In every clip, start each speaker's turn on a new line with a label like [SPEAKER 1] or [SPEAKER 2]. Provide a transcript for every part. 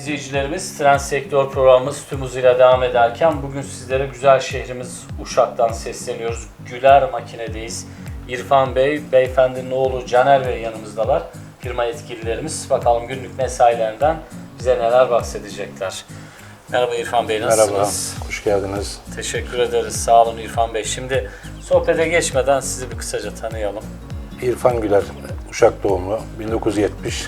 [SPEAKER 1] izleyicilerimiz, Trend Sektör programımız tüm hızıyla devam ederken bugün sizlere güzel şehrimiz Uşak'tan sesleniyoruz. Güler Makine'deyiz. İrfan Bey, beyefendinin oğlu Caner Bey yanımızdalar. Firma yetkililerimiz. Bakalım günlük mesailerinden bize neler bahsedecekler. Merhaba İrfan Bey, nasılsınız?
[SPEAKER 2] Merhaba, hoş geldiniz.
[SPEAKER 1] Teşekkür ederiz, sağ olun İrfan Bey. Şimdi sohbete geçmeden sizi bir kısaca tanıyalım.
[SPEAKER 2] İrfan Güler, Uşak doğumlu, 1970.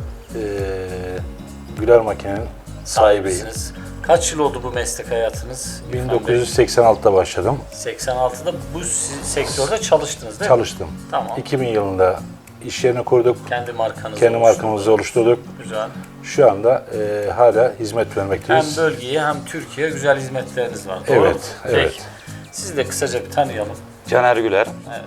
[SPEAKER 2] Güler Makine'nin sahibiyim.
[SPEAKER 1] Kaç yıl oldu bu meslek hayatınız?
[SPEAKER 2] 1986'da başladım.
[SPEAKER 1] 86'da bu sektörde çalıştınız değil mi?
[SPEAKER 2] Çalıştım.
[SPEAKER 1] Tamam.
[SPEAKER 2] 2000 yılında iş yerini kurduk.
[SPEAKER 1] Kendi
[SPEAKER 2] markamızı oluşturduk.
[SPEAKER 1] Güzel.
[SPEAKER 2] Şu anda hala hizmet vermekteyiz.
[SPEAKER 1] Hem bölgeye hem Türkiye'ye güzel hizmetleriniz var. Doğru mu?
[SPEAKER 2] Evet, evet.
[SPEAKER 1] Peki. Sizi de kısaca bir tanıyalım.
[SPEAKER 3] Caner Güler.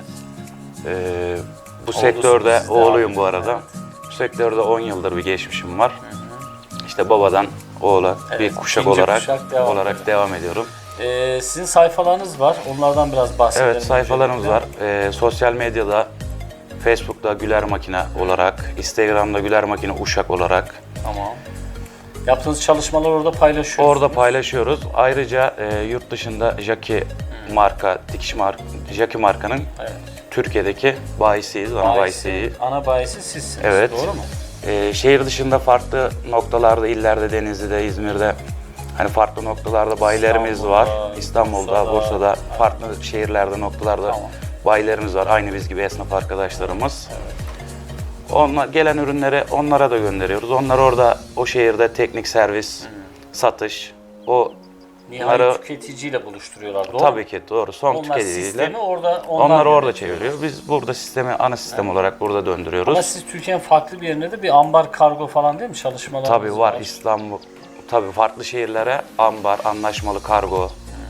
[SPEAKER 1] Evet.
[SPEAKER 3] Bu sektörde
[SPEAKER 1] siz
[SPEAKER 3] oğluyum
[SPEAKER 1] devam
[SPEAKER 3] bu arada.
[SPEAKER 1] edin,
[SPEAKER 3] Bu sektörde 10 yıldır bir geçmişim var. İşte babadan oğula bir kuşak
[SPEAKER 1] ikinci
[SPEAKER 3] olarak
[SPEAKER 1] kuşak
[SPEAKER 3] devam ediyorum.
[SPEAKER 1] Sizin sayfalarınız var. Onlardan biraz bahsedelim.
[SPEAKER 3] Evet, sayfalarımız var. Sosyal medyada Facebook'ta Güler Makine olarak, Instagram'da Güler Makine Uşak olarak.
[SPEAKER 1] Tamam. Yaptığınız çalışmalar orada paylaşıyorsunuz.
[SPEAKER 3] Orada paylaşıyoruz. Ayrıca yurt dışında Jackie marka, Jackie markanın Türkiye'deki bayisiyiz, ana bayisiyiz.
[SPEAKER 1] Ana bayisi sizsiniz,
[SPEAKER 3] Evet.
[SPEAKER 1] doğru mu?
[SPEAKER 3] Şehir dışında farklı noktalarda, illerde, Denizli'de, İzmir'de hani farklı noktalarda bayilerimiz var. İstanbul'da, Bursa'da, farklı şehirlerde, noktalarda bayilerimiz var. Aynı biz gibi esnaf arkadaşlarımız. Onlar, gelen ürünleri onlara da gönderiyoruz. Onlar orada o şehirde teknik servis, satış,
[SPEAKER 1] Nihai tüketiciyle buluşturuyorlar, doğru mu?
[SPEAKER 3] Tabii ki doğru. Son
[SPEAKER 1] Onlar
[SPEAKER 3] tüketiciyle.
[SPEAKER 1] sistemi
[SPEAKER 3] Onlar orada çeviriyor. Biz burada sistemi ana sistem olarak burada döndürüyoruz.
[SPEAKER 1] Ama siz Türkiye'nin farklı bir yerinde de bir ambar kargo falan değil mi çalışmalarınız
[SPEAKER 3] Tabii var. İstanbul, tabii farklı şehirlere ambar, anlaşmalı kargo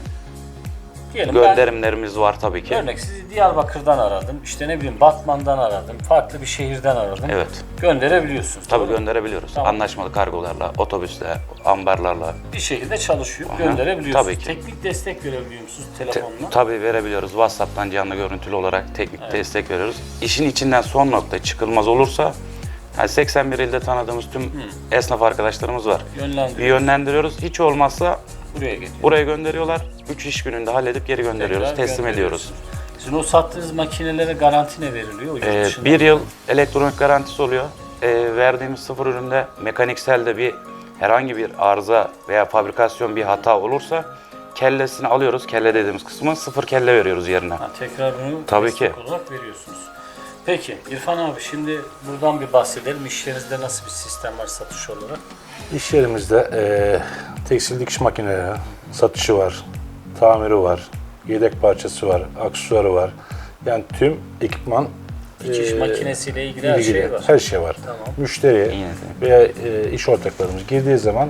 [SPEAKER 1] Diyelim
[SPEAKER 3] gönderimlerimiz var tabii ki.
[SPEAKER 1] Örnek sizi Diyarbakır'dan aradım, işte ne bileyim Batman'dan aradım, farklı bir şehirden aradım.
[SPEAKER 3] Evet.
[SPEAKER 1] Gönderebiliyorsunuz.
[SPEAKER 3] Tabii
[SPEAKER 1] doğru mu?
[SPEAKER 3] gönderebiliyoruz.
[SPEAKER 1] Tamam.
[SPEAKER 3] Anlaşmalı kargolarla, otobüsle, ambarlarla.
[SPEAKER 1] Bir şekilde çalışıyor, gönderebiliyorsunuz.
[SPEAKER 3] Tabii ki.
[SPEAKER 1] Teknik destek verebiliyor musunuz telefonla?
[SPEAKER 3] Tabii verebiliyoruz. WhatsApp'tan canlı görüntülü olarak teknik destek veriyoruz. İşin içinden son nokta çıkılmaz olursa yani 81 ilde tanıdığımız tüm esnaf arkadaşlarımız var. Bir yönlendiriyoruz. Hiç olmazsa buraya gönderiyorlar. 3 iş gününde halledip geri gönderiyoruz, teslim ediyoruz.
[SPEAKER 1] Sizin o sattığınız makinelere garanti ne veriliyor?
[SPEAKER 3] Bir yıl elektronik garantisi oluyor. Verdiğimiz sıfır üründe mekanikselde herhangi bir arıza veya fabrikasyon bir hata olursa kellesini alıyoruz. Kelle dediğimiz kısmı sıfır kelle veriyoruz yerine.
[SPEAKER 1] Tekrar bunu
[SPEAKER 3] tabii
[SPEAKER 1] destek olarak veriyorsunuz. Peki İrfan abi, şimdi buradan bir bahsedelim. İşlerinizde nasıl bir sistem var satış olarak?
[SPEAKER 2] İş yerimizde tekstil dikiş makineleri satışı var, tamiri var, yedek parçası var, aksesuarı var. Yani tüm ekipman
[SPEAKER 1] dikiş makinesiyle ilgili her şey var.
[SPEAKER 2] Her şey var.
[SPEAKER 1] Tamam.
[SPEAKER 2] Müşteriye veya iş ortaklarımız girdiği zaman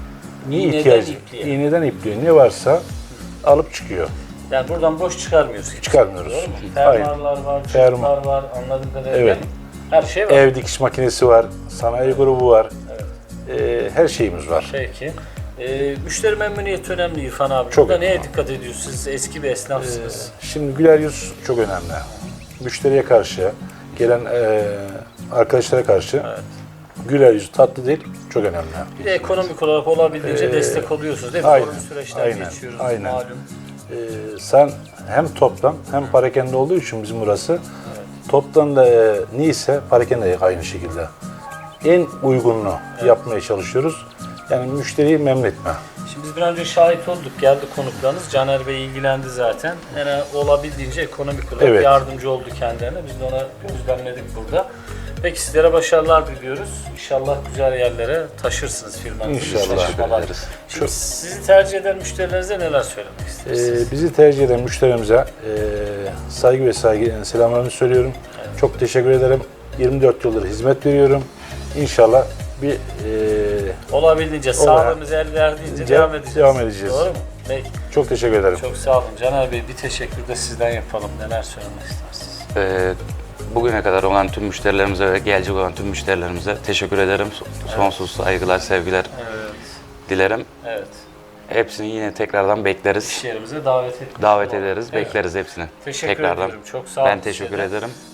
[SPEAKER 2] iğneden ipliğe ne varsa alıp çıkıyor.
[SPEAKER 1] Yani buradan boş çıkarmıyoruz.
[SPEAKER 2] Çıkarmıyoruz.
[SPEAKER 1] Doğru mu? Fermuarlar var, çocuklar var, anladığım kadarıyla.
[SPEAKER 2] Evet.
[SPEAKER 1] Her şey var.
[SPEAKER 2] Ev dikiş makinesi var, sanayi grubu var. Her şeyimiz var.
[SPEAKER 1] Peki. Müşteri memnuniyeti önemli İrfan abi.
[SPEAKER 2] Çok
[SPEAKER 1] Burada
[SPEAKER 2] önemli.
[SPEAKER 1] neye dikkat ediyorsunuz? Siz eski bir esnafsınız.
[SPEAKER 2] Şimdi güler yüz çok önemli. Müşteriye karşı, gelen arkadaşlara karşı güler yüz, tatlı dil çok önemli.
[SPEAKER 1] Bir de ekonomik olarak olabildiğince destek oluyorsunuz değil mi?
[SPEAKER 2] Aynen,
[SPEAKER 1] Zorlu süreçler geçiyoruz malum.
[SPEAKER 2] Sen hem toptan hem parakende olduğu için bizim burası toptan da neyse parakende de aynı şekilde. En uygununu yapmaya çalışıyoruz. Yani müşteriyi memnun etme.
[SPEAKER 1] Şimdi biz bir önce şahit olduk, geldi konuklarınız. Caner Bey ilgilendi zaten. Yani olabildiğince ekonomik olarak yardımcı oldu kendilerine. Biz de ona gözlemledik burada. Peki sizlere başarılar diliyoruz. İnşallah güzel yerlere taşırsınız firmanızı.
[SPEAKER 2] İnşallah.
[SPEAKER 1] Şimdi sizi tercih eden müşterilerinize neler söylemek istersiniz?
[SPEAKER 2] Bizi tercih eden müşterimize saygı ve selamlarımı söylüyorum. Çok teşekkür ederim. 24 yıldır hizmet veriyorum. İnşallah
[SPEAKER 1] olabildiğince sağlığımız el verdiğince devam edeceğiz. Doğru mu? Peki.
[SPEAKER 2] Çok teşekkür ederim.
[SPEAKER 1] Çok sağ olun. Caner Bey, bir teşekkür de sizden yapalım. Neler söylemek istersiniz?
[SPEAKER 3] Bugüne kadar olan tüm müşterilerimize ve gelecek olan tüm müşterilerimize teşekkür ederim. Sonsuz saygılar, sevgiler dilerim.
[SPEAKER 1] Evet.
[SPEAKER 3] Hepsini yine tekrardan bekleriz.
[SPEAKER 1] İş yerimize davet
[SPEAKER 3] ederiz, bekleriz hepsini.
[SPEAKER 1] Teşekkür ediyorum. Çok sağ olun.
[SPEAKER 3] Ben teşekkür ederim.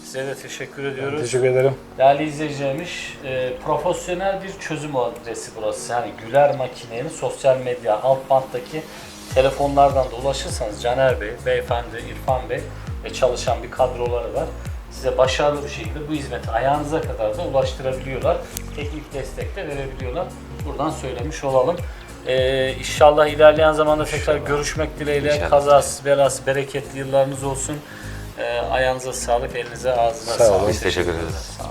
[SPEAKER 1] Size de teşekkür ediyoruz.
[SPEAKER 2] Teşekkür ederim.
[SPEAKER 1] Değerli izleyicilerimiz, profesyonel bir çözüm adresi burası. Yani Güler Makine'nin sosyal medya alt banttaki telefonlardan da ulaşırsanız Caner Bey, beyefendi İrfan Bey ve çalışan bir kadroları var. Size başarılı bir şekilde bu hizmeti ayağınıza kadar da ulaştırabiliyorlar. Teknik destek de verebiliyorlar. Buradan söylemiş olalım. İnşallah ilerleyen zamanda tekrar görüşmek dileğiyle.
[SPEAKER 3] İnşallah.
[SPEAKER 1] Kazasız belasız bereketli yıllarınız olsun. Ayağınıza sağlık, elinize ağzına
[SPEAKER 2] Sağ olun.
[SPEAKER 1] sağlık.
[SPEAKER 3] Biz teşekkür ederiz.
[SPEAKER 1] Sağ olun.